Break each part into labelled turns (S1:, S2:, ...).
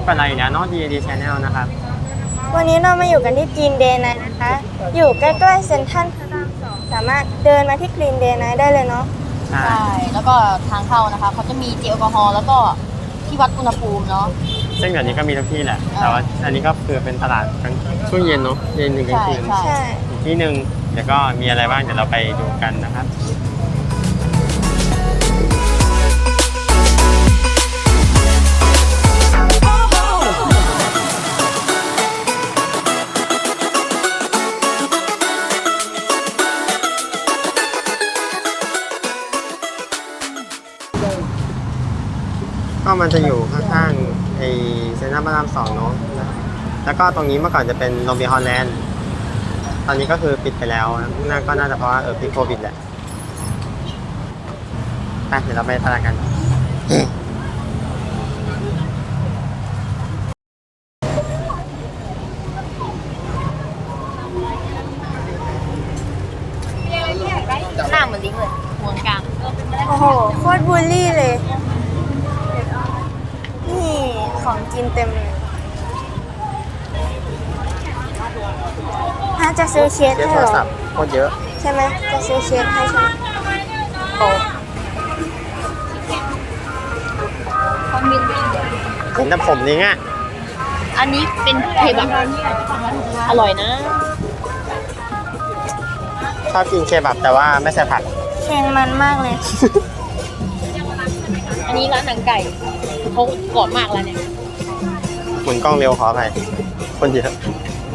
S1: กับเราอีกแล้วเนาะ DAD Channel นะครับ
S2: วันนี้เรามาอยู่กันที่ Green Day Night นะคะ อยู่ใกล้ๆเซ็นทรัลพระราม 2สามารถเดินมาที่ Green Day Night ได้เลยเนาะ
S1: ใช่
S3: ใช่ แล้วก็ทางเข้านะคะเขาจะมีเจลแอลกอฮอล์แล้วก็ที่วัดอุณหภูมิเนาะ
S1: ซึ่งเดี๋ยวนี้ก็มีทุกที่แหละ แต่ว่าอันนี้ก็คือเป็นตลาดช่วงเย็นเนาะ เย็นหนึ่งกลางคืน
S2: ใช่
S1: อีกที่หนึ่งเดี๋ยวก็มีอะไรบ้างเดี๋ยวเราไปดูกันนะครับก็มันจะอยู่ข้างๆไอเซ็นทรัลพระราม 2เนาะแล้วก็ตรงนี้เมื่อก่อนจะเป็นโรงเบียร์ฮอลแลนด์ตอนนี้ก็คือปิดไปแล้วนั่นก็น่าจะเพราะว่าพิดโควิดแหละไปเดี๋ยวเราไปตลาดกัน
S3: หน้าเหมือนลิงเลยหัวกลาง
S2: โอ้โหโคตรบูลลี่เลย นี่ของกินเต็มเลยจะซื้อเค้กให้เหรอ
S1: โคตรเยอะ
S2: ใช่ไหมจะซื้อเค้กให้ใช่ไหมโอ้
S1: เห็นแต่ผมนี่ไง
S3: อันนี้เป็นเคบับอร่อยนะ
S1: ชอบกินเคบับแต่ว่าไม่ใส่ผัก
S2: เค็มมันมากเลย
S3: อันนี้ร้านหนังไก่เขากรอบมากแล้วเนี่ย
S1: หมุนกล้องเร็วขออภัยคนเยอะ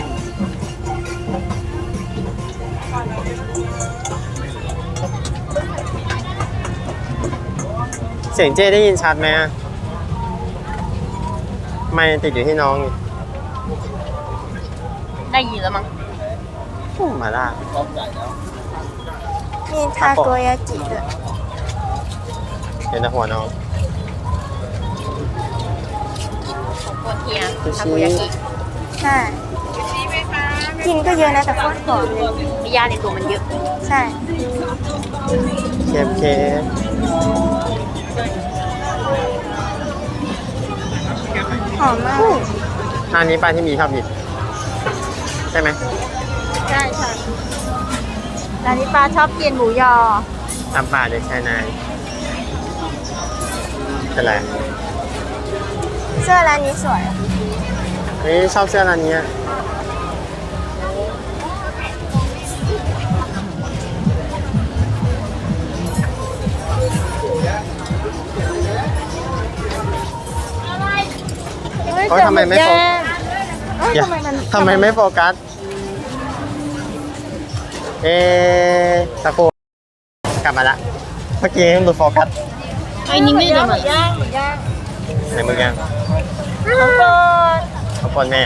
S1: เสียงเจ้ได้ยินชัดไหมไม่ติดอยู่ที่น้องนี่
S3: ได้ยินแล้วมั้ง
S1: มาล่า
S2: มีทาโกยากิด้วย
S1: เห็นแต่หัวน้อง
S3: ของโคเทีย
S1: ซูชิ
S3: ทาโกยากิ
S2: ใช่กินก็เยอะนะแต่โคตรหอมเลย
S3: มียาในตัวมันเยอะ
S2: ใช่
S1: เคฟ
S2: หอมมาก
S1: ร้านนี้ป้าที่มีชอบกินใช่ไหม
S2: ใช่ใช่ร้านนี้ปลาชอบกินหมูยอ
S1: ตำป่าเด็กชายนายเป็นไร
S2: เสื้อร้านนี้สวย
S1: เฮ้ยชอบเสื้อร้านนี้เฮ้ยทำไมไม่โฟกัสทำไมไม่โฟกัสสักครู่กลับมาละเมื่อกี้หลุดโฟกัส
S3: ไอ้นี่ไม่ได้มา
S2: ย่าง
S1: ไหนมึงยัง
S2: ข้าวโพด
S1: ขอบคุณแม่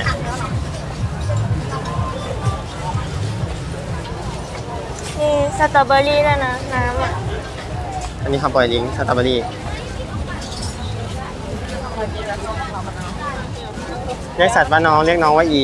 S2: มีสตรอเบอรี่ด้วยนะน้ำอ่ะ
S1: อันนี้คำปล่อยลิงก์สตรอเบอรี่เรียกสัตว์ว่าน้องเรียกน้องว่าอี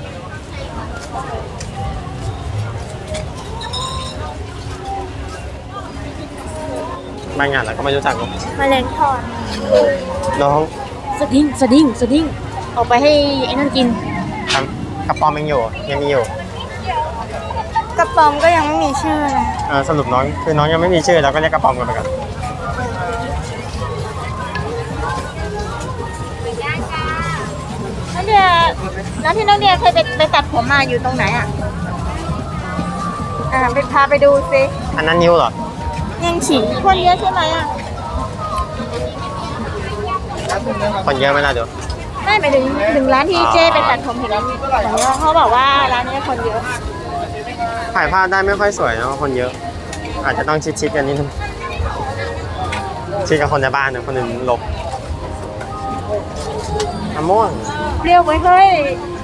S1: บางอย่างเราก็ไม่รู้จัก
S2: มะเร็งทอด
S1: น้อง
S3: สดิ้งออกไปให้ไอ้นั่นกิน
S1: กระป๋อมยังอยู่ยังมีอยู่
S2: กระป๋อมก็ยังไม่มีชื่อเลย
S1: สรุปน้องคือน้องยังไม่มีชื่อเราก็เรียกกระป๋อมกันไปก่อน
S2: น้องเดียแล้วที่น้องเดียเคยไปตัดผมมาอยู่ตรงไหนอ่ะไปพาไปดูสิ
S1: อันนั้นนิ้วเหรอ
S2: ยังฉี่คนเยอะใช่ไหมอ่ะ
S1: คนเยอะไหมล่ะเดี๋ยว
S2: ไม่หมายถึงร้านที่เจ้ไปตัดผมเห็นเขาบอกว่าร้านนี้คนเยอะ
S1: ถ่ายภาพได้ไม่ค่อยสวยเนาะคนเยอะ อาจจะต้องชิดๆกันนิดนึงชิดกับคนในบ้านนะคนอื่นหลบมะม่วง
S2: เปรี้ยวไว้เฮ้ย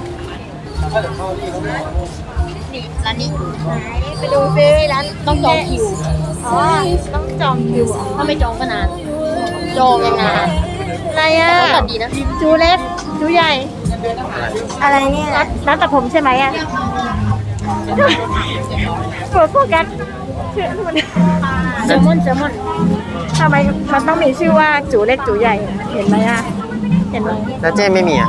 S3: นี่ร้านนี้
S2: ไปดูซิร้าน
S3: ต้องจองคิว
S2: อ๋อต้องจองคิวเหรอ
S3: ถ้าไม่จองก็นาน จองยังนาน
S2: อะไรอ่ะ
S3: แต่ก็ตัดดีนะ
S2: จูเล็กจูใหญ่ อะไรเนี่ยร้านตัดผมใช่ไหมอ่ะโฟกัสชื่อมัน
S3: แซลมอน
S2: ทำไมมันต้องมีชื่อว่าจูเล็กจูใหญ่เห็นไหมอ่ะ
S3: ห็นไหม
S1: แล้วเจ้ไม่มีอ่ะ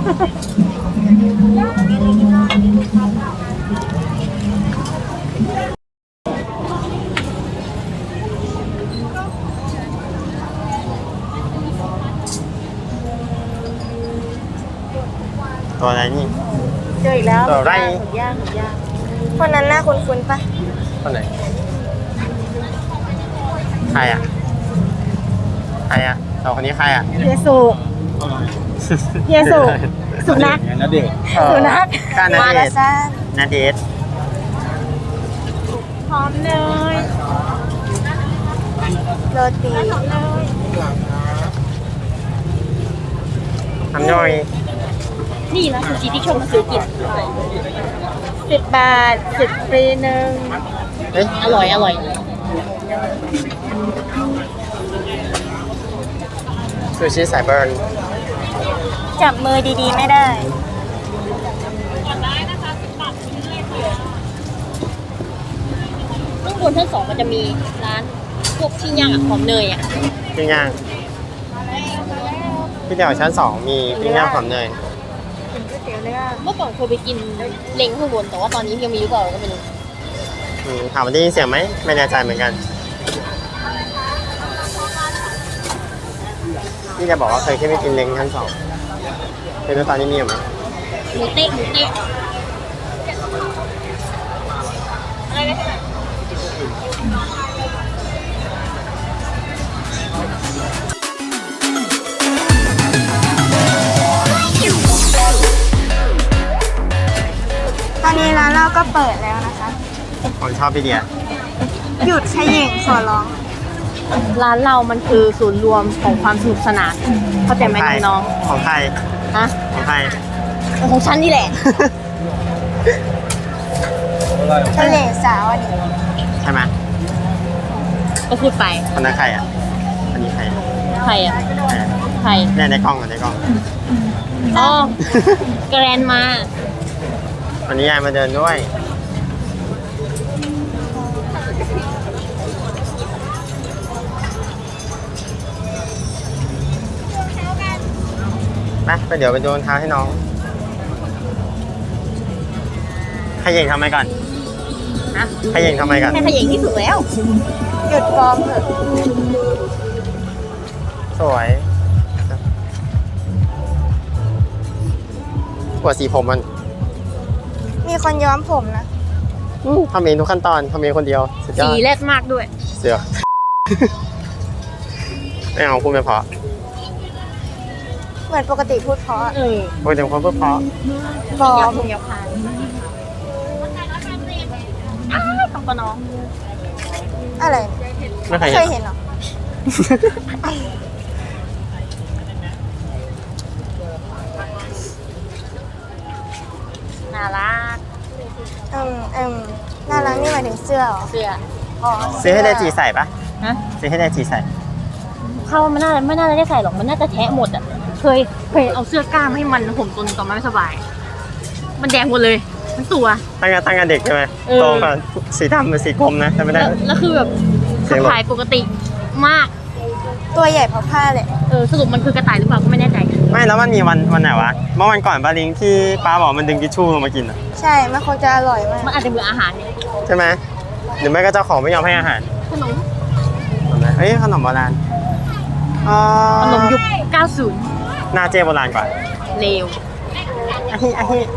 S1: ตัวอะไรนี่
S3: เจออีกแล้ว
S1: ตัวไร
S3: หมึกย่างหมึกย่าง
S2: คนนั้นหน้าคุ้นๆปะ
S1: คนไหน ใครอ่ะ ใครอ่ะเราคนนี้ใครอ่ะ
S3: เยซูเยซูสุนัข
S4: ณเดชน์
S3: สุนัข
S1: ก้านา
S2: มา
S1: เด
S2: ลา
S1: ช
S2: ซ่า
S1: นาเดช
S3: หอมเนย
S2: โรตี
S1: ทำย่อย
S3: นี่นะคือจีที่ชมมาซื้อกิน
S2: 10 บาท10ฟรีหนึ่ง
S1: เฮ้ย
S3: อร่อยอร่อย
S1: ซูชิสายเบิร์น
S2: จับมือดีๆไม่ได้
S3: ข้างบนชั้น 2มันจะมีร้านพวกปิ้งย่างหอมเนยอ่ะ
S1: ปิ้งย่างพี่เดี่ยวชั้น 2 มีปิ้งย่างหอมเนย
S2: กินก๋วยเตี๋ยวเรือ
S3: เมื่อก่อนเคยไปกินเล้งข้างบนแต่ว่าตอนนี้ยังมีหรือเปล่าก็ไม่รู้
S1: ถามว่าได้ยินเสียงไหม ไม่แน่ใจเหมือนกัน พี่จะบอกว่าเคยแค่ไปกินเล้งชั้น 2เป็นตอนนี้มีอยู่ไหม
S3: หมูเต๊ะหมูเต๊ะ
S2: ตอนนี้ร้านเราก็เปิดแล้วนะคะ
S1: ผมชอบพี่เดีย
S2: หยุดขยิงขอร้อง
S3: ร้านเรามันคือศูนย์รวมของความสนุกสนานเข้าใจไหมน้อง
S1: ของใคร
S3: ๆฮะ
S1: ของใคร
S3: ของฉันนี่แหละ
S2: ทะเลสาวอันนี้
S1: ใช่ไหม
S3: ก็พูดไป
S1: คนนั้นใครอ่ะ อันนี้ใคร
S3: ใครอ่ะ
S1: ใครอะ
S3: ใคร
S1: เนี่ยในกล้องอ่ะในกล้อง
S3: อ๋อแกรนมา
S1: วันนี้ยายมาเดินด้วย ไปเดี๋ยวไปโดนเท้าให้น้องขย่งทำไมก่อน
S3: ฮะ
S1: ขย่งทำไมก่อน
S3: แค่ขยิงที่สุดแล้ว
S2: หยุดฟอร์มเถอะ
S1: สวยปวดสีผมมัน
S2: มีคนย้อมผมนะ
S1: ทำเองทุกขั้นตอนทำเองคนเดียวสุดยอ
S3: สี
S1: ด
S3: แรดมากด้วย
S1: เสือ ไม่เอาพูดไม่เพราะ
S2: เหมือนปกติพูดเพราะ
S1: พูดถึงคนพูดเพราะ
S2: บอ
S3: ยับ
S2: ม
S3: พงยับพานต้องปะน้อง
S2: อะไร
S1: ไม่เคย
S2: เคย
S1: เห็
S2: เห็
S1: น
S2: นเหรอ
S3: น่ารัก
S2: น่ารักนี่หมายถึงเสื้อเหรอ
S3: เสื้อ
S2: อ๋อ
S1: ซื้อให้ได้จีใส่ปะ
S3: ฮะ
S1: ซื้อให้ได้จีใส่
S3: เข้ามันไม่น่าจะได้ใส่หรอก มันน่าจะแทะหมดอ่ะ เคยเอาเสื้อกล้ามให้มันผมตัวนึงตอนมันไม่สบาย มันแดงหมดเลยทั้งตัว
S1: ตั้งแต่เด็กใช่ไหม
S3: เออ
S1: โตมาสีดำเป็นสีกรมนะแต่ไม่ได้
S3: แล้วคือแบบ
S1: เสียงหลบ
S3: ถ่ายปกติมาก
S2: ตัวใหญ่เพราะผ้าเลย
S3: สรุปมันคือกระต่ายหรือเปล่าก็ไม่แน่ใจ
S1: ไม่แล้วมันมีวันไหนวะ เมื่อวันก่อนปาลิงที่ป้าบอกมันดึงทิชชู่ลงมากินอะ
S2: ใช่มันคงจะอร่อยมาก
S3: มันอาจจะเบื่ออาหารเนี่ย
S1: ใช่ไหมหรือไม่ก็เจ้าของไม่ยอมให้อาหาร
S3: ขนม
S1: เฮ้ยขนมโบราณอ๋อ
S3: ขนมยุค 90
S1: หน้าเจโบราณกว่า
S3: เลว
S1: อะฮิ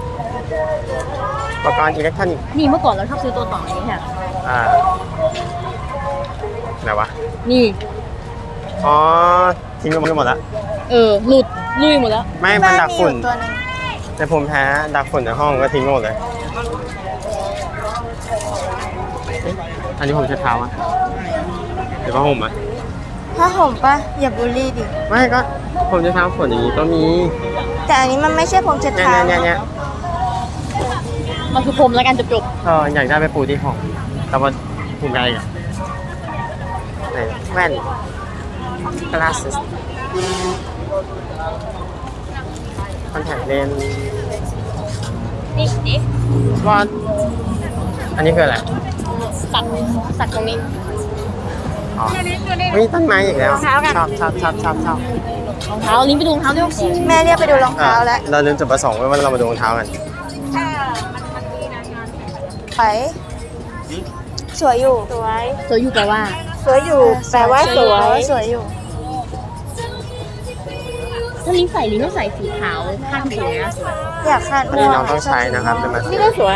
S1: อุปกรณ์อิเล็กทรอนิกส์
S3: นี่เมื่อก่อนเราชอบซื้อตัวต่ออย่างนี้ค่ะ
S1: อ่าไหนวะ
S3: นี่
S1: อ๋อทิ้งไปหมดแล้ว
S3: หลุดลุยหมดแล้ว
S1: ไม่
S2: ที่
S1: มัน
S2: บ้าน
S1: ดัก
S2: มีอ
S1: ฝุ่น
S2: ยู่ตัวหนึง
S1: แต่ผมแพ้ดักฝุ่นในห้องก็ทิ้งหมดเลยเอ๊ะอันนี้ผมใช้เท้าอะหรือว่าผมอะ
S2: ผ้าห่มปะอย่าบูลลี่ดิ
S1: ไม่ก็ผมใช้เท้าฝุ่นอย่างนี้ก็มี
S2: แต่อันนี้มันไม่ใช่ผมเช็ด
S1: เนี่ย
S2: เท้า
S1: เนี่ย
S3: มันคือพรมแล้วกันจบ
S1: อยากได้ไปปูที่ห้องแต่ว่าภูมิใจอะไหนแว่น glasses contact lens
S3: ๆนี่ดิ
S1: ว่าอันนี้คืออะไร
S3: สักตรงนี้
S1: ออ๋อเฮ้ยต้นไม้อีกแล้ว
S3: รองเท้ากัน
S1: ชอบชอบชอบชอบชอบ
S3: รองเท้าลิ้นไปดูรองเท้าด้วย
S2: แม่เรียกไปดูรองเท้าแล้ว
S1: เราลืมจุดประสงค์ไว้ว่าเรามาดูรองเท้ากัน
S2: ไปสวยอยู่
S3: สวยอยู่แปลว่า
S2: สวยอยู่แปลว่าสวยสวยอยู่
S3: ถ้าลิ้นใส่ลิ้นต้องใส่สีขาวข้างสีนะ
S2: อยากคาด
S1: อันนี้น้องต้องใช้นะครับเป็นมาส
S3: นี่ก็สวย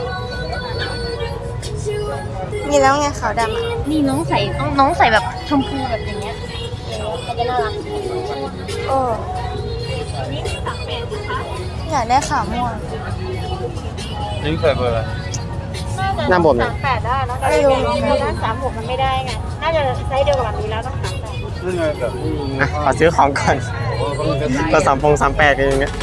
S2: มีแล้วไงขาวดำอ่ะ
S3: นี่น้องใส่น้องใส่แบบชมพูแบบอย่างเงี้ยมันจะน่ารัก
S2: โอ้อยากได้ขาวม่วง
S4: ลิ้นใส่เบอร์อะไร
S1: หน้าบวมเลย
S3: 38ได้แล้ว
S2: ไม่รู้
S3: ด้าน36มันไม่ได้ไงน่าจะไซส์เดียวกับแบบนี้แล้วต้อง38
S4: นี่ไงแบบ
S1: นะขอซื้อของก่อน
S4: โอ้ก็มันจะ
S1: ก็38กันอย่างเงี้ย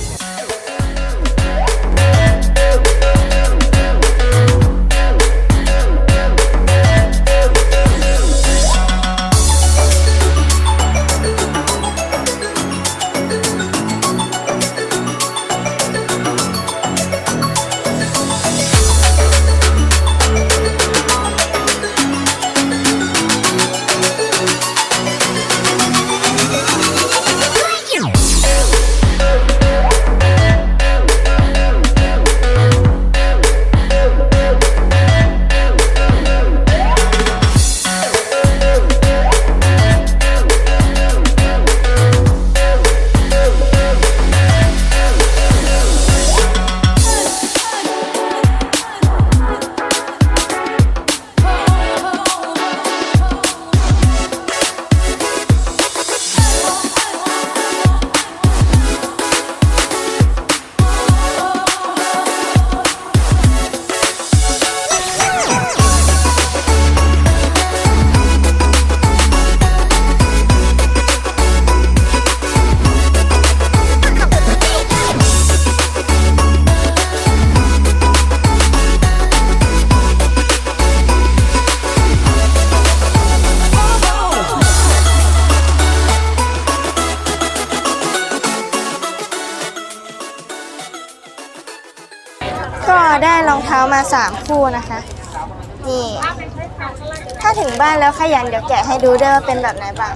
S2: ก็ได้รองเท้ามา3คู่นะคะ นี่ ถ้าถึงบ้านแล้วขยันเดี๋ยวแกะให้ดูด้วยว่าเป็นแบบไหนบ้าง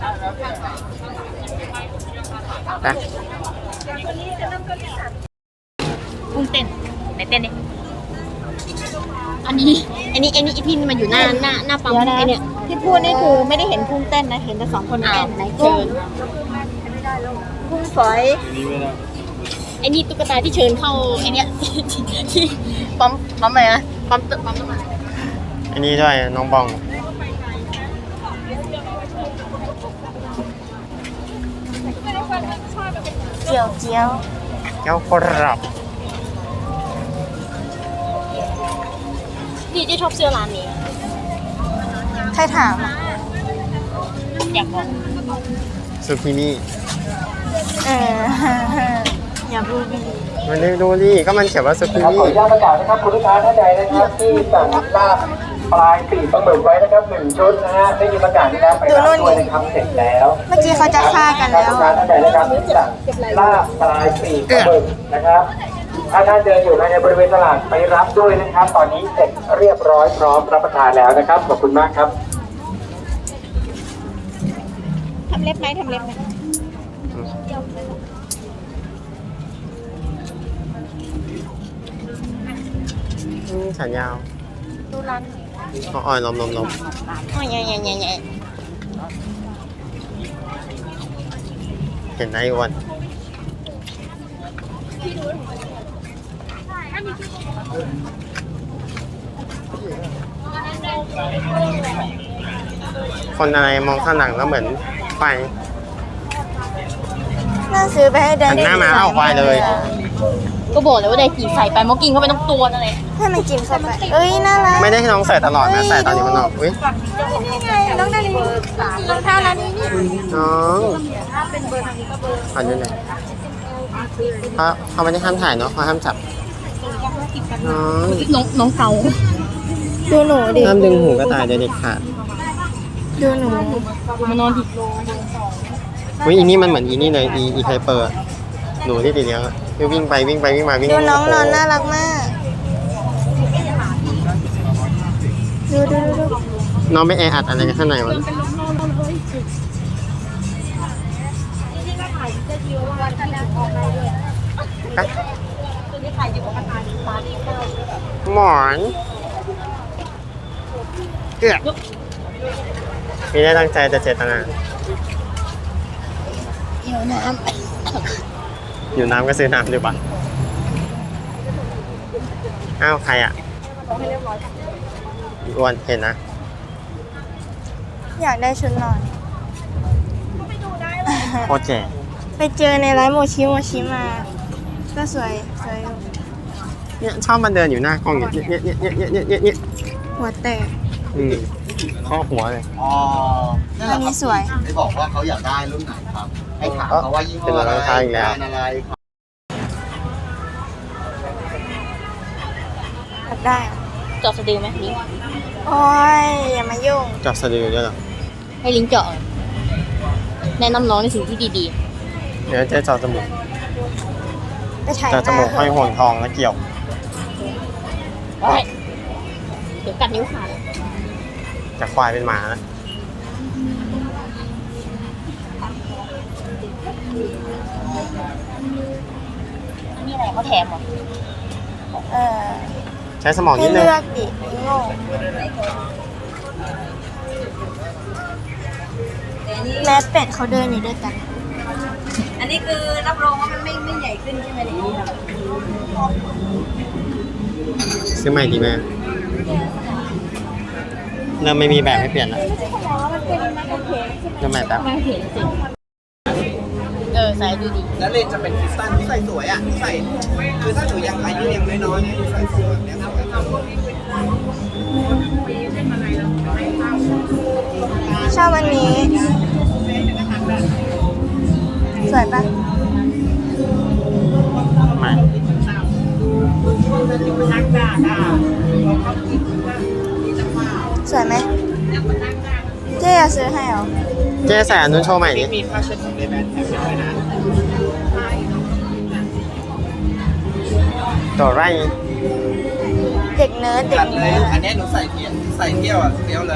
S1: นะ
S3: กุ้งเต้นไหนเต้นดิอันนี้ที่มันอยู่หน้าปั๊มไอเนี่ย
S2: ที่พูดนี่คือไม่ได้เห็นพุ่งเต้นนะ เห็นแต่2 คนเต้น
S3: ไหนเชิญ
S2: พุ่งฝอย
S4: นี่ไม่ได้
S3: ไอ้นี่ตุ๊กตาที่เชิญเข้าไอเนี้ยที่ปั๊มอะไรนะปั๊มน้ำมัน
S1: อันนี้ด้วยน้องบอง
S2: เจียวเจียว
S1: เจ้ากรับ
S3: ที่ชอบเสื้อร้านนี้
S2: ใครถามอ่ะ
S3: อยากบอก
S1: ซูกินี่
S2: เออ อย่าพูดดี
S1: มันได้ดูดิก็มันเขียนว่าซูกิ
S5: ครับ
S1: นี่
S5: ขออนุญาตประกาศนะครับคุณลูกค้าท่านใดนะครับที่สั่งลาบปลายปีกปลาหมึกไว้นะครับ1 ชุดนะฮะได้ยินประกาศนี้แล้วไปรับด้วยนะครับเสร็จแล้ว
S2: เมื่อกี้เขาจะฆ่ากันแล้ว
S5: ลูกค้าท่านใดนะครับที่สั่งลาบปลายปีกปลาหมึกนะครับถ้าท่านเดินอยู่ในบริเวณตลาดไปรับด้วยนะครับ ตอนนี้เสร็จเรียบร้อยพร้อมรับประทานแล้วนะครับขอบคุณมากครับ
S2: ทำเล็บไหมทำเล็บไหม
S1: ฉันยาว
S2: ดูร้าน
S1: อ่อยลม
S2: โอ้ยใหญ่ใหญ่ใหญ่ใหญ่
S1: เห็นได้วันคนอะไรมองข้างหลังแล้วเหมือนไฟ
S2: น่าซื้อไปให้แดน
S1: หันหน้ามาเอาควายเลย
S3: ก็บอกเลยว่าไดกี่ใส่ไปมอกินเข้าไปต้องตัวนั่นแหละ
S2: ให้มันกินเข้าไป เอ้ย น่ารัก
S1: ไม่ได้ให้น้องใส่ตลอดนะใส่ตอนอยู่ข้างนอกอุ้ย
S2: นี่ไงน้องนาลีรองเท้าร้านนี้นี่
S1: น้องขอดูหน่อยเขาไม่ได้ห้ามถ่ายเนาะเขาห้ามจับน้อง
S3: น้องเกา
S2: ดูหนูดิ
S1: ห้ามดึงหูกระต่ายเดี๋ยวเด็กขาด
S2: ดูหนู
S3: มานอนดิ
S1: อุ้ยอีนี่มันเหมือนอีนี่เลยอีไคเปอร์อะหนูที่ติดเลี้ยงอะที่วิ่งไปวิ่งมาวิ่ง
S2: ดูน้องนอน
S1: โโห
S2: น่ารักมาก ดู
S1: น้องไม่แออัดอะไรกันข้างในวะไปหมอนเกือบมีได้ตั้งใจแต่เจตนา
S2: หิวน้
S1: อยู่น้ำก็ซื้อน้ำดีกว่าอ้าวใครอ่ะอ้วนเห็นนะ
S2: ำอยากได้ชุดนอน
S1: โคตรแก่
S2: ไปเจอในร้านโมชิโมชิมา ก็สวยอยู่
S1: เนี่ยชอบมันเดินอยู่หน้ากล้องเนี่ย
S2: หัวแตก
S1: ข้อหัวเลย
S6: อ๋อ
S2: อันนี้สวย
S6: ได้บอกว่าเขาอยากได้รุ่นไหนครับ ให้ถามเขาว่ายี่ห้ออะไร
S1: เป็นรองเท้าอีกแล้ว
S6: แบรนด์อะไรครับ
S2: อยากได้
S3: เจาะสะดือไหมลิง
S2: โอ้ยอย่ามายุ่ง
S1: จอบสะดือด้วยเหรอ
S3: ให้ลิงเจาะแนะนำน้องในสิ่งที่ดี
S1: เดี๋ยวเจ๊จอบจมูก
S2: ไปถ่าย
S1: จอบจมูกห้อยห่วงทองแล้วเกี่ยว
S3: ๆโอ้ยเดี๋ยวกัดนิ้วขาด
S1: จากควายเป็นหมาแล้ว
S3: มีอะไรเขาแถมเหรอ
S2: เออ
S1: ใช้สมอง
S2: ให้
S1: นิดนึง
S2: เลือกดิโง่แม่เป็ดเขาเดินอยู่ด้วยกัน
S7: อันนี้คือรับรองว่ามันไม่ใหญ่ขึ้นใช่ไหมเนี่ย
S1: ซื้อใหม่ดีไหมเริ่มไม่มีแบบให้เปลี่ยนแล้วเริ่มใหม่แป๊บ
S3: ไม่เห็นสิใส่ดูดี
S6: แล้วเลนจะเป็นคริสตัลที่ใส่สวยอ่ะที่ใส่ คือถ้าหนูยังอายุยังน้อยๆเนี่ยใส่สวยแบบเนี้ยสวยครับ
S2: ชอบอันนี้ สวยปะ
S1: ใหม่
S2: สวยไหมเจ๊จะซื้อให้เหรอ
S1: เจ๊ใส่อันนู้นโชว์ใหม่ดิ
S6: มีผ้าเช็ดของเลแบนแถมด้วยนะ
S1: ตัวไร
S2: เด็กเนิร์ดเด็
S6: ตั
S2: ก
S6: ดเล
S2: เนิ
S6: ย
S2: ร์ด
S6: อันนี้หนูใส่เที่ยวอ่ะเที่ยวเลย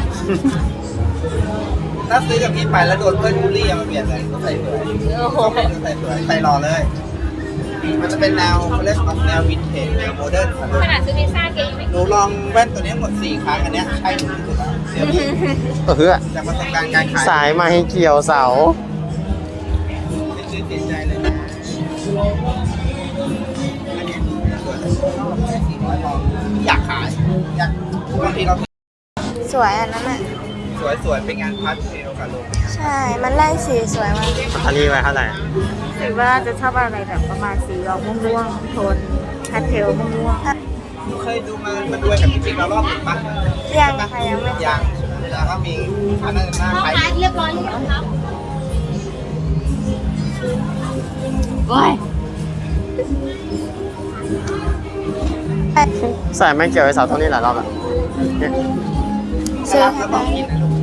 S6: ถ้าซื้อกับพี่ไปแล้วโดนเพื่อนบูลลี่มาเปลี่ยนเลยหนูใส่สวย
S3: โอ้โห
S6: หนูใส่สวยใส่หล่อเลย มันจะเป็นแนวเขาเรียกว่าแนววินเทจแนวโมเดิร์นครับ
S3: ขนาดซื้อพิซซ่าเกงไม่
S6: หนูลองแว่นตัวนี้หมด 4 ครั้งอันเนี้ยใช่หนูที่สุดแล้วเดี๋ยวนี้
S1: เฮือ
S6: จากประสบการณ์การขาย
S1: สายมาให้เกี่ยวเสา
S6: ไม่ซื้อเสียใจเลยนะอันเนี้ยสวย400ลองอยากขายอยากบางทีเรา
S2: สวยอันนั้นอ่ะ
S6: สวยๆเป็นงานพาร์ทเทลกับลง
S2: ใช่ มันไล่สีสวยมาก
S1: อันนี้ไว้เท่าไหร่
S7: คิดว่าจะชอบอะไรแบบประมาณสีออกม่วงๆโทนพาสเทลม่วง
S6: หนูเคยดูมาด้วยกับพี่ปิ๊กแล้วรอบหนึ่งปะ
S2: ยังค่ะยังไม่
S6: ยังแล้วก็มีอันนั้นหน้าคล้าย
S3: เรียบร้อยหรือยังครับโอ้ย
S1: ใส่ไม่เกี่ยวไอ้เสาตรงนี้หลายรอบแล้วเนี่ย
S2: ซื้อ
S6: แล้วบอกกินนะลูก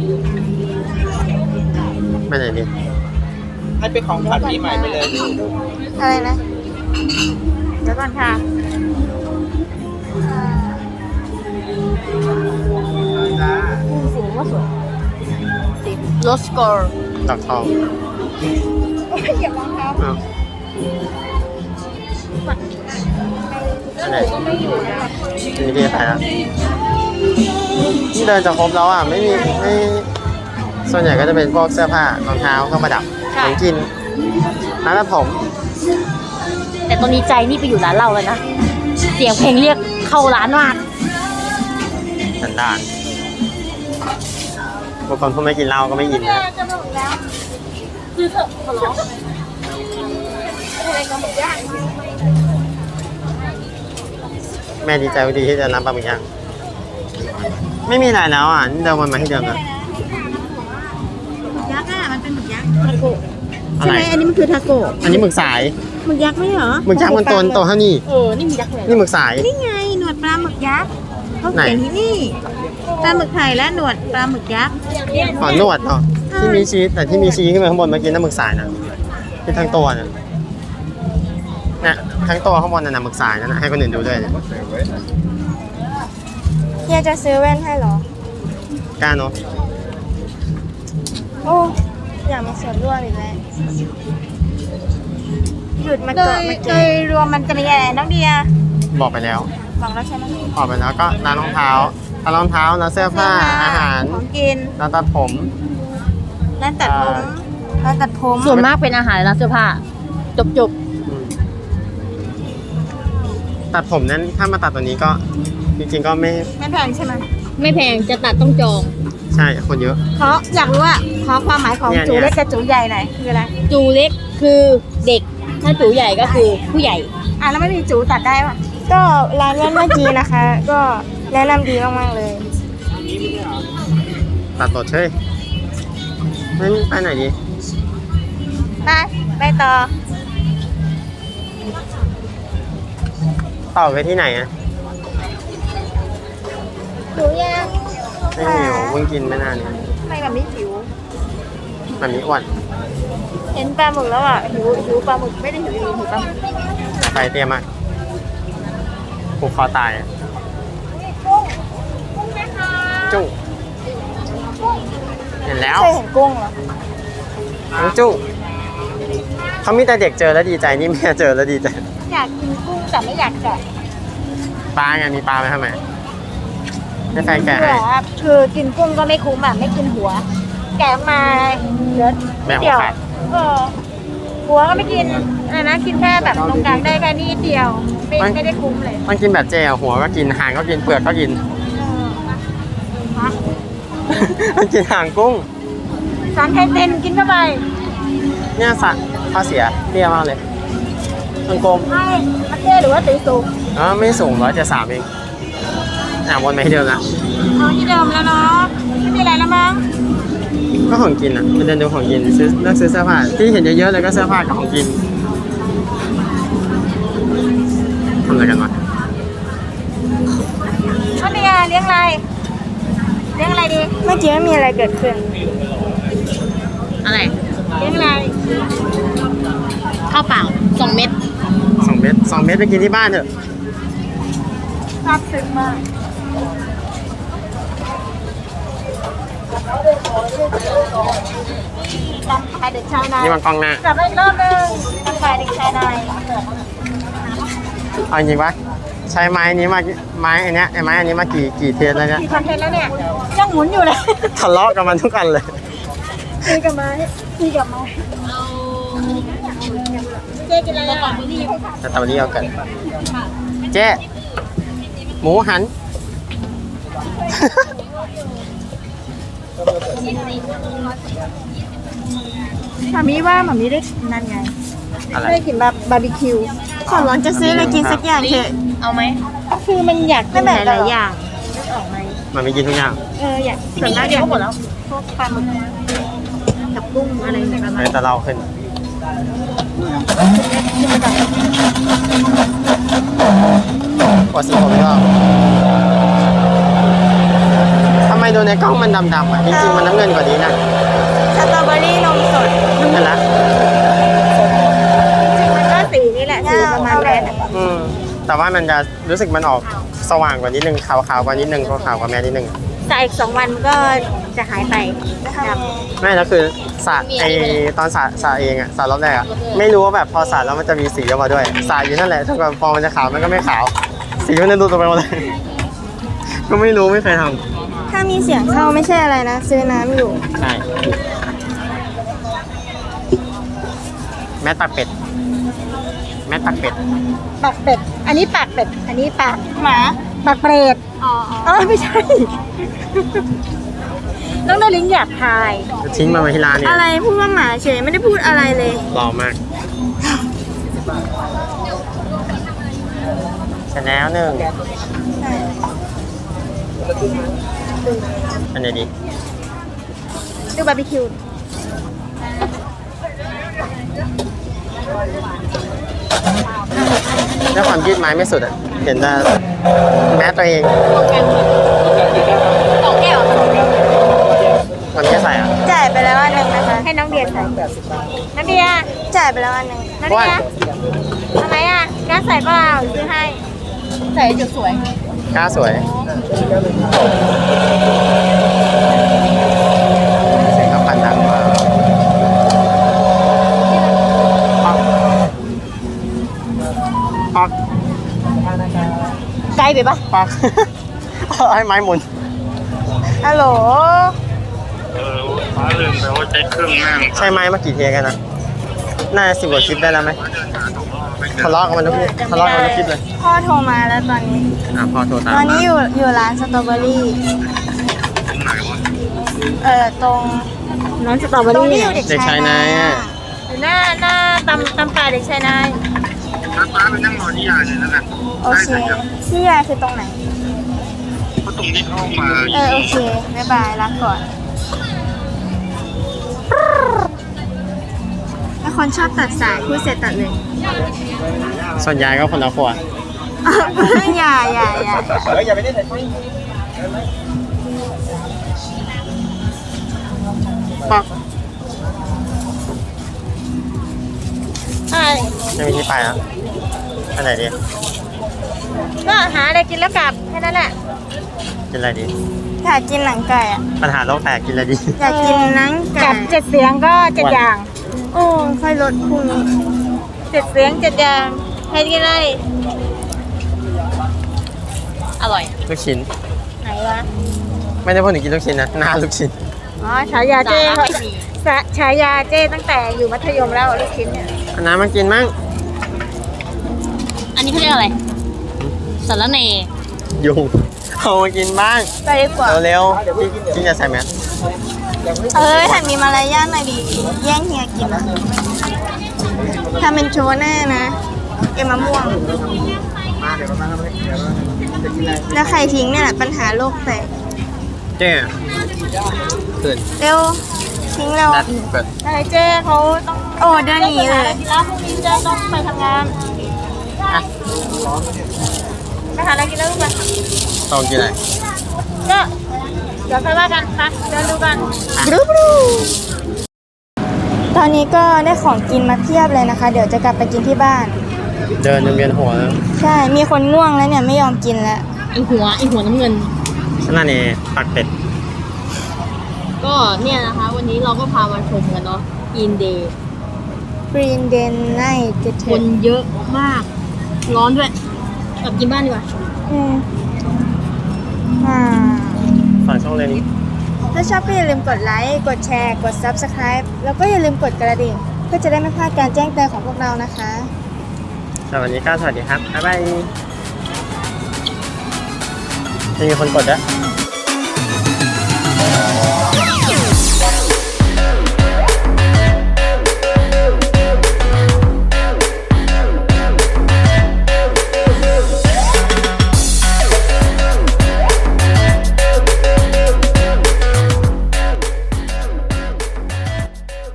S1: ไม่ไหนดี
S6: ให้เป็นของขวัญปีใหม่ไปเลย
S2: อะไรนะ
S7: ๆแล้วก่อนค่ะ
S6: จ้า
S3: สีว่าสวยสีโรสกอร์
S1: ดอกทองอ้าวอันไหนนี่พี่ไปแล้วนี่เดินจะครบแล้วอ่ะ ไม่ส่วนใหญ่ก็จะเป็นพวกเสื้อผ้ารองเท้าเครื่องประดับของกินร้านตัดผม
S3: แต่ตอนนี้ใจนี่ไปอยู่ร้านเราแล้วนะ เสียงเพลงเรียกเข้าร้านมาก
S1: สันดานบางคนพูดไม่กินเหล้าก็ไม่ยินนะ
S3: จะบอกแล้วคือเถอะขอร้อง
S1: แม่ดีใจดีที่จะรับปลาหมึกย่างไม่มีอะไรแล้วอ่ะนี่เดิมวนมาที่เดิมนะ
S7: ยักษ์อ่ะมันเป็นหมึกยักษ์
S1: อะ
S7: ใช่
S1: ไร
S7: ไหมอันนี้มันคือทาโกะ
S1: อันนี้หมึกสาย
S7: หมึกยักษ์ไม่เหรอ
S1: หมึกยักษ์มันโตเท่านี้
S3: นี่มียักษ์เลย
S1: นี่หมึกสาย
S7: นี่ไงหนวดปลาหมึกยักษ์เขา
S1: ไหน
S7: เขียนที่นี่ปลาหมึกไทยและหนวดปลาหมึกยักษ์
S1: อ๋อนวดเนาะที่มีชีสแต่ที่มีชีสขึ้นไปข้างบนเมื่อกี้นั่นหมึกสายนะที่ทั้งตัวน่ะเนี่ยทั้งตัวข้างบนนั่นน่ะหมึกสายนั่นนะให้คนอื่นดูด้วยเนี่ย
S2: เฮียจะซื้อแว่นให้เหรอ
S1: กล้าเนาะ
S2: โอ้อยากมีส่วนร่วมอีกแล้วหยุดมา
S7: โด
S2: เกาะ
S7: ย
S2: มา
S7: โด
S2: กิ
S7: ย
S2: น
S7: รวมมันจะมีอะไรน้องเดีย
S1: บอกไปแล้ว
S7: บอกแล้วใช่ไหม
S1: บอกไปแล้วก็ร้านรองเท้าร้านรองเท้าร้านเสื้อผ้าอาหาร
S7: ของกิน
S1: ร้านตัดผม
S2: ร้านตัดผมร้านตัดผม
S3: ส่วนมากเป็นอาหารและเสื้อผ้า จบ
S1: อืมตัดผมนั้นถ้ามาตัดตัวนี้ก็จริงๆก็ไม่
S7: ไม่แพงใช่ไหม
S3: ๆ ไม่แพงจะตัดต้องจอง
S1: ใช่คนเยอะ
S7: อยากรู้ว่าขอความหมายของ
S1: เนี่ย
S7: จูเล็กกับจูใหญ่หน่อยคืออะไร
S3: จูเล็กคือเด็ก ถ้าจูใหญ่ก็คือผู้ใหญ่
S7: แล้วไม่มีจูตัดได้ปะ
S2: ก็ร้านเมื่อกี้นะคะ ก็แนะนำดีมากๆเลย
S1: ตัดตดเช่ยงั้นไปไหนดี
S7: ไปต่อ
S1: ต่อไปที่ไหนอ่ะ
S7: จูยัง
S1: ไม่หิวเพิ่งกินไม่นานเนี่ย
S7: ไม่แบบนี้หิว
S1: แบบนี้อ้วน
S7: เห็นปลาหมึกแล้วอ่ะหิวปลาหมึกไม่ได้หิวหิวปลาหมึก
S1: ไฟเตี้ยมากผูกคอตายอะจุ้งเห็นแล้ว
S2: เคยเห็นกุ้งเหรอ
S1: น้องจุ้งเขามีแต่เด็กเจอแล้วดีใจนี่แม่เจอแล้วดีใจ
S7: อยากกินกุ้งแต่ไม่อยากแกะ
S1: ปลาไงมีปลาไหมทำไมให้แฟนแกะ
S7: เบื่
S1: ให้
S7: อคือกินกุ้งก็ไม่คุ้มอ่ะไม่กินหัว แกะมาเหลือ
S1: แม่หั
S7: เดี
S1: ว
S7: ยว
S1: ขาด
S7: หัวก็ไม่กินอะไรนะกินแค่แบบตรงกลางได้แค่นี้เดียว ไม่ได้คุ้มเลย
S1: มันกินแบบเจอะหัวก็กินหางก็กินเปลือกก็กิน มันกินหางกุ้ง
S7: สารไข่เต็นกินเข้าไป
S1: เนี่ยสัตว์ข้อเสียเตี้ยมากเลยมันกลม
S7: ให้มันเท่หรือว่าตีสูง
S1: ไม่สูง173เองวนไปที่เดิมนะ
S7: เอาที่เดิมแล้วเนาะไม่มีอะไรแล้วมั้ง
S1: ก็ของกินอ่ะไปเดินดูของกินซื้อเลือกซื้อเสื้อผ้าที่เห็นเยอะๆเลยก็เสื้อผ้ากับของกินทำอะไรกันวะ
S7: เขามีเลี้ยงอะไรเลี้ยงอะไรดี
S2: เมื่อกี้ไม่มีอะไรเกิดขึ้น
S3: อะไร
S7: เลี้ยงอะไร
S3: ข้าวเปล่า 2 เม็ด
S1: 2 เม็ด2 เม็ดไปกินที่บ้านเถอะ
S7: ซาบซึ้งมากตำขายเด็กชายนาย
S1: นี่มันกล้องหน้า
S7: จับไปอีกรอบนึงตำขายเด็กชายนาย
S1: เอาจริงปะใช้ไม้นี้มาไม้อันเนี้ยไอ้ไม้อันนี้มากี่เทสแล้วเนี่ย
S7: มีคอนเทนต์แล้วเนี่ยยังหมุนอยู่เลย
S1: ทะเลาะกับมันทุกอันเลย
S7: ตีกับไม้ตีกับไม้เจ๊กินอะไรก่อนมือนี่
S1: สตรอเบอรี่เอาเกิดเจ๊หมูหัน
S7: หมามีว่าหมามีได้นั่นไง
S1: อะไร
S7: ได้กินแบบบาร์บีคิว
S2: ขอร้องจะซื้ออะไรกินสักอย่างเถอะ
S3: เอาไหม
S7: คือมันอยากกินหลายๆอย่างนึกออกไหม
S1: มันไม่กินทุกอย่าง
S7: อยากส่วนมากอยากหมดแล้วพวกปลาหมึกกับกุ้งอะไรอย่างเงี้ย
S1: เลยแต่เราขึ้นกดสีผมก็ทำไมดูในกล้องมันดำๆอ่ะจริงๆมันน้ำเงินกว่านี้นะ
S2: สตรอเบอรี่นมสด
S1: เห็นไหม
S7: มันก็สีนี่แหละสีประมาณนั้น
S1: แต่ว่ามันจะรู้สึกมันออกสว่างกว่านิดนึงขาวๆกว่านิดนึงขาวๆกว่าแม่นิดนึง
S7: แต่อีก2 วันมันก็จะหายไปดำ
S1: ไม่แล้วคือสระไอตอนสระเองอะสระรอบแรกอะไม่รู้ว่าแบบพอสระแล้วมันจะมีสีออกมาด้วยสระอยู่นั่นแหละถ้าเกิดพอมันจะขาวมันก็ไม่ขาว สีมันจะดูตัวไปหมดเลย ก็ไม่รู้ไม่เคยท
S2: ถ้ามีเสียงเข้าไม่ใช่อะไรนะ ซื้อน้ำอยู่
S1: ำใช่แม่ตักเป็ดแม่ตักเป็ด
S7: ปากเป็ด อันนี้ปากเป็ด อันนี้ปาก
S2: หมา
S7: ปากเปรตอ๋อไม่ใช่ น้องนาลิงอยากทาย
S1: จะทิ้งมาไว้ที่ร้านเนี่ย
S2: อะไรพูดว่าหมาเฉยไม่ได้พูดอะไรเลย
S1: หล่อมากเสร็จแล้วหนึ่งอันไหนดี
S7: ดูบาร์บีคิว
S1: แล้วความยืดไม้ไม่สุดอ่ะ เห็นแต่แม้ตัวเอง
S3: 2 แก้ว
S1: มันไม่ใส่อ่ะ
S2: จ่ายไปแล้วอันหนึ่งนะคะ
S7: ให้น้องเดียใส่น้องเดีย
S2: จ่ายไปแล้วอันหนึ่ง
S7: น้องเดียทำไมอ่ะกล้าใส่เปล่าซื้อให้
S3: ใส่จุดสวย
S1: กล้าสวยปัก
S3: ไกลไปปะ
S1: ปัก ให้ไม้หมุน
S2: ฮัลโหล
S4: ฟ้าลืมไปว่าใช้เครื่องนั่ง
S1: ใช่ไม้มากี่เทียกันนะน่าจะ10 กว่าคลิปได้แล้วไหมทะเลาะกันมันทุกทะเลาะกันทุกคลิปเลย
S2: พ่อโทรมาแล้วตอนนี้
S1: พอโทรตาม
S2: ตอนนี้อยู่ร้านสตรอเบอรี่
S4: ตรงไหนวะ
S2: ตรง
S3: น้องสตรอเบอ
S2: ตรง
S3: รี่
S2: ที่อยู่เด็ก
S1: เด็กชายนายอ่ะ
S7: อยู่หน้าตำป่าเด็กชายนาย
S4: ถ้าฟ้าไปนั่งรอที่ยายเลยแล้วกัน
S2: โอเคที่ยายคือตรงไหน
S4: เพราะตรงที่เข้ามา
S2: โอเค บ๊ายบายรักก่อนถ้าคนชอบตัดสายพูดเสร็จตัดเลย
S1: ส่วนยายก็คนละขวด
S2: อย่า
S6: อย่าไปเล่นแต่ที่
S1: ปัก
S7: ใช่
S1: ไม่มีที่ไปแล้วไปไหนดี
S7: ก็หาอะไรกินแล้วกลับแค่นั้นแหละ
S1: กินอะไรดี
S2: อยากกินหนังไก่อะ
S1: ปัญหาโลกแตกกินอะไรดี
S2: อยากกินหนังไก่
S7: กับ7 เสียงก็7 อย่าง
S2: โอ้ค่อยลดพรุ่งนี้
S7: 7 เสียง7 อย่างให้กินอะไร
S3: อร่อย
S1: ลูกชิ้น
S7: ไหนวะ
S1: ไม่ได้พูดถึงกินลูกชิ้นนะหน้าลูกชิ้น
S7: อ๋อฉายาเจ้
S3: สาระไม่มี
S7: ฉายาเจ้ตั้งแต่อยู่มัธยมแล้วลูกชิ้นเนี่ย
S1: เอาน้ำมากินมั้ง
S3: อันนี้เขาเรียกอะไรสารเน
S1: ยุงเอามากินบ้าง
S2: ไปดีกว่า
S1: เร็วๆกินจะใส่แมส
S2: หันมีมารยาทหน่อยดิแย่งเฮียกินอะทำเป็นโชว์หน้านะเก็บมะม่วง
S6: มาเดี๋ยวมาเดี๋ยวจะกินอะไร
S2: แล้วใครทิ้งเนี่ยแหละปัญหาโลกแตก
S1: เจ๊ตื่น
S2: เร็วทิ้งเร็ว
S1: นัดเปิด
S7: อะไรเจ้เขาต้อง
S2: โอ้เดินหนีเลย
S7: แล้วพรุ่งนี้เจ้ต้องไปทำงาน
S1: อ่ะ
S7: ไปหาอะไรกินแล้วลูกไป
S1: ต้องกินอะไร
S7: ก็เดี๋ยวค่อยว่ากันไปเดินดูกัน
S2: ตอนนี้ก็ได้ของกินมาเพียบเลยนะคะ เดี๋ยวจะกลับไปกินที่บ้าน
S1: เดินจนเวียนหัวแล้ว
S2: ใช่ มีคนง่วงแล้วเนี่ยไม่ยอมกินแล้ว
S3: ไอหัวน้ำเงิน
S1: ฉันนั่นเองปักเป็ด
S3: ก็เนี่ยนะคะ วันนี้เราก็พามาชมกันเนาะอินเดย์
S2: Green Day Night จะ
S3: ค
S2: ถึ
S3: น
S2: ง
S3: เยอะมาก ร้อนด้วยกลับกินบ้านดีกว่า
S2: อืมอ่า
S1: ฝากช่องเลยนี้
S2: ถ้าชอบก็อย่าลืมกดไลค์ กดแชร์ กด Subscribe แล้วก็อย่าลืมกดกระดิ่งเพื่อจะได้ไม่พลาดการแจ้งเตือนของพวกเรานะคะ
S1: สวัสดีครับสวัสดีครับ บ๊ายบายจะมีคนกดด้วย